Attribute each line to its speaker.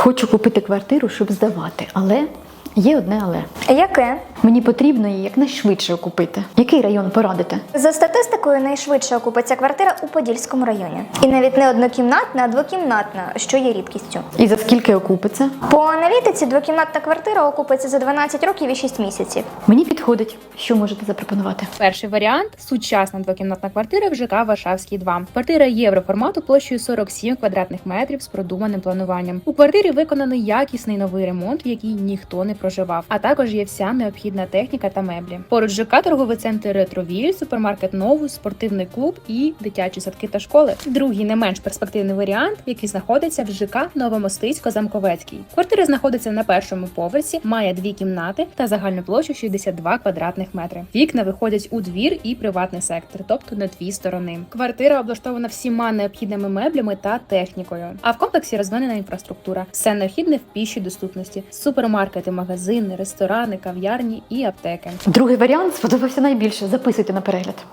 Speaker 1: Хочу купити квартиру, щоб здавати, але є одне але.
Speaker 2: Яке?
Speaker 1: Мені потрібно її якнайшвидше окупити. Який район порадите?
Speaker 2: За статистикою, найшвидше окупиться квартира у Подільському районі. І навіть не однокімнатна, а двокімнатна, що є рідкістю.
Speaker 1: І за скільки окупиться?
Speaker 2: По аналітиці, двокімнатна квартира окупиться за 12 років і 6 місяців.
Speaker 1: Мені підходить. Що можете запропонувати?
Speaker 3: Перший варіант – сучасна двокімнатна квартира в ЖК Варшавський 2. Квартира євроформату площею 47 квадратних метрів з продуманим плануванням. У квартирі виконаний якісний новий ремонт, в який ніхто не проживав, а також є вся необхідна техніка та меблі. Поруч ЖК торговий центр Ретровіль, супермаркет Новус, спортивний клуб і дитячі садки та школи. Другий не менш перспективний варіант, який знаходиться в ЖК Новомостицько-Замковецький. Квартира знаходиться на першому поверсі, має 2 кімнати та загальну площу 62 квадратних метри. Вікна виходять у двір і приватний сектор, тобто на 2 сторони. Квартира облаштована всіма необхідними меблями та технікою. А в комплексі розвинена інфраструктура. Все необхідне в пішій доступності: супермаркети, магазини, ресторани, кав'ярні і аптеки.
Speaker 1: Другий варіант сподобався найбільше. Записуйте на перегляд.